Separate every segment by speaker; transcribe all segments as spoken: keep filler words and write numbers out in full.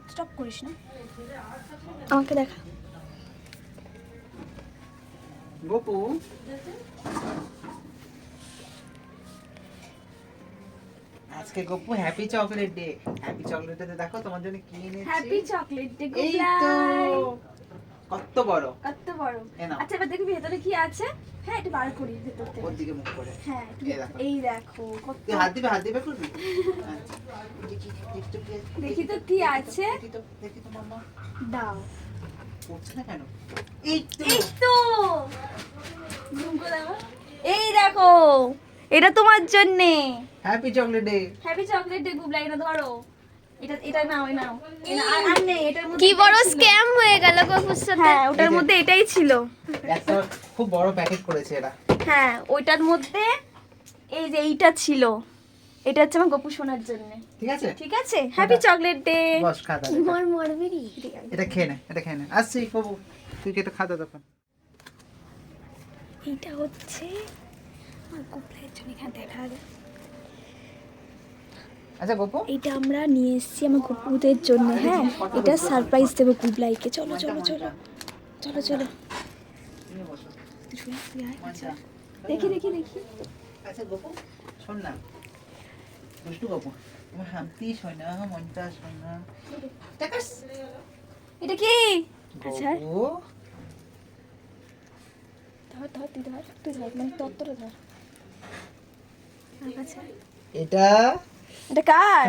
Speaker 1: Stop করিস না, আমাকে দেখা।
Speaker 2: গোপু আজকে Gopu happy chocolate day. Happy chocolate day দেখো তোমার জন্য কি এনেছি।
Speaker 1: হ্যাপি চকলেট ডে
Speaker 2: এই তো
Speaker 1: গুবলাই।
Speaker 2: কত বড়
Speaker 1: কত বড়।
Speaker 2: এ নাও।
Speaker 1: আচ্ছা এবার দেখবি ভেতরে কি আছে। হ্যাঁ এটা বার করি ভেতর থেকে।
Speaker 2: ওর দিকে মুখ করে।
Speaker 1: হ্যাঁ একটু
Speaker 2: এই দেখো।
Speaker 1: এই দেখো কত।
Speaker 2: তুই হাত দিবে হাত দিবে করবি। আচ্ছা দেখি দেখি তো কি-
Speaker 1: দেখি তো কি আছে।
Speaker 2: দেখি তো দেখি তো মাম্মা
Speaker 1: দাও।
Speaker 2: পড়ছে না কেন? এই তো
Speaker 1: এই তো জুম করে দাও। এই দেখো এটা তোমার জন্য।
Speaker 2: Happy chocolate day.
Speaker 1: Happy chocolate day Gublai, না ধরো এটা এটা নাও এই নাও। এই নাও, আর আর নেই এটার মধ্যে।
Speaker 3: কি বড়
Speaker 1: এটাই ছিল।
Speaker 3: স্ক্যাম হয়ে গেল গপুর সাথে।
Speaker 1: হ্যাঁ ওটার মধ্যে এটাই ছিল।
Speaker 2: একটা খুব বড় প্যাকেট করেছে এরা।
Speaker 1: হ্যাঁ ওইটার মধ্যে এই যে এইটা ছিল। এটা হচ্ছে আমার গপু শোনার জন্য।
Speaker 2: ঠিক আছে
Speaker 1: ঠিক আছে হ্যাপি চকলেট ডে।
Speaker 2: বস খাতা
Speaker 3: মর মরবি রে।
Speaker 2: এটা খেয়ে নে এটা খেয়ে নে আসছি বাবু তুই কি এটা খাতা তখন
Speaker 1: এইটা হচ্ছে আমার গুবলাইয়ের জন্য, এখানে দেখা যায়।
Speaker 2: আচ্ছা গোপু
Speaker 1: এইটা আমরা নিয়ে এসেছি আমার গপুদের জন্য। হ্যাঁ এটা সারপ্রাইজ দেবো গুবলাইকে। চলো চলো চলো চলো চলো
Speaker 2: তুমি বসো
Speaker 1: তুই শুয়ে তুই আয়।
Speaker 2: আচ্ছা
Speaker 1: দেখি দেখি দেখি
Speaker 2: আচ্ছা গোপু শোন না দুষ্টু গোপু তোমার হামতি শোয় না মনটা শোয় না দেখাস
Speaker 1: এটা কি? আচ্ছা
Speaker 2: গোপু
Speaker 1: ধর ধর তুই ধর তুই ধর মানে তত্ত্বটা ধর। আচ্ছা
Speaker 2: এটা
Speaker 1: এটা কার?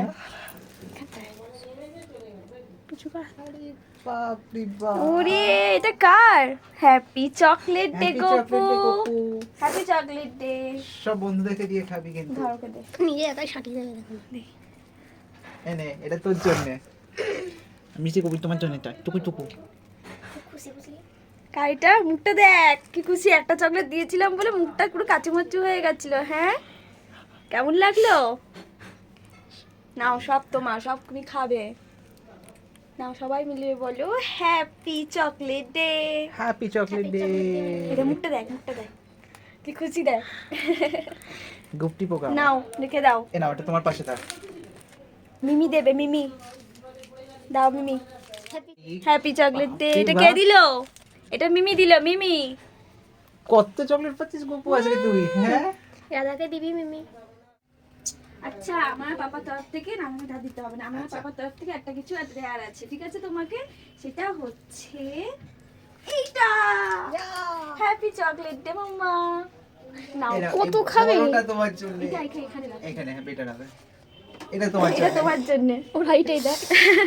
Speaker 1: কিছু কার?
Speaker 2: বাপ রে বাপ
Speaker 1: ওরে এটা কার? Happy chocolate day
Speaker 2: Happy
Speaker 1: Gopu.
Speaker 2: chocolate day, Gopu.
Speaker 1: Happy chocolate day.
Speaker 2: সব বন্ধুদেরকে দিয়ে খাবি কিন্তু
Speaker 1: ধর ওকে দে।
Speaker 3: নিজে একাই সাটিয়ে যাবে দেখুন।
Speaker 2: এনে এটা তোর জন্য মিষ্টি কবি তোমার জন্য এটা টুকু টুকু
Speaker 3: খুশি খুশি।
Speaker 1: কাইটা মুখটা দেখ কি খুশি, একটা চকলেট দিয়েছিলাম বলে মুখটা পুরো কাচুমাচু হয়ে গেছিল। হ্যাঁ কেমন লাগলো? নাও সব তোমার, সব তুমি খাবে। নাও সবাই মিলে বলো happy chocolate day.
Speaker 2: Happy chocolate day
Speaker 1: এটা মুখটা দেখ মুখটা দেখ কি খুশি দেখ।
Speaker 2: গুপটি পোকা
Speaker 1: নাও রেখে দাও।
Speaker 2: এ নাও এটা তোমার পাশে থাক
Speaker 1: মিমি দেবে মিমি, দাও Mimi.
Speaker 3: Happy
Speaker 1: happy chocolate day.
Speaker 2: বাহ,
Speaker 1: এটা
Speaker 2: বাহ।
Speaker 1: কে দিল? এটা মিমি দিল। মিমি
Speaker 2: কত চকলেট পাচ্ছিস গোপু আজকে তুই হ্যাঁ
Speaker 3: রাধাকে দিবি মিমি।
Speaker 1: আচ্ছা আমার পাপার তরফ থেকে না, আমাকে ধার দিতে হবে না। আমার
Speaker 2: আচ্ছা।
Speaker 1: পাপার তরফ থেকে একটা কিছু দেয়ার আছে, ঠিক আছে তোমাকে? সেটা হচ্ছে এইটা হ্যাপি চকলেট ডে মাম্মা। নাও
Speaker 2: এরা-
Speaker 3: কত
Speaker 2: এই
Speaker 3: খাবে?
Speaker 2: বড়টা তোমার জন্য
Speaker 1: এটা এখানে এখানে রাখো।
Speaker 2: এখানে হ্যাঁ বেটা রাখবে এটা তোমার
Speaker 1: এটা
Speaker 2: জন্য
Speaker 1: তোমার জন্য।
Speaker 3: ওর হাইটাই দেখ।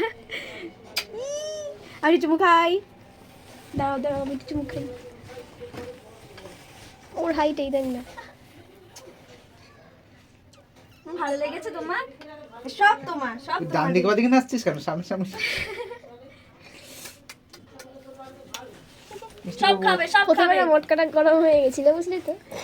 Speaker 1: আমি চুমু খাই। দাও দাও আমি একটু চুমু খাই।
Speaker 3: ওর হাইটাই দেখ না।
Speaker 1: ভালো লেগেছে তোমার? সব তোমার, সব
Speaker 2: ডান
Speaker 1: তোমার।
Speaker 2: দিকে বা দিকে নাচছিস কেন সামনে সামনে মিষ্টি
Speaker 1: সব
Speaker 2: বাবু,
Speaker 1: খাবে সব
Speaker 3: প্রথমে
Speaker 1: খাবে।
Speaker 3: না মটকাটা গরম হয়ে গেছিল বুঝলি তো।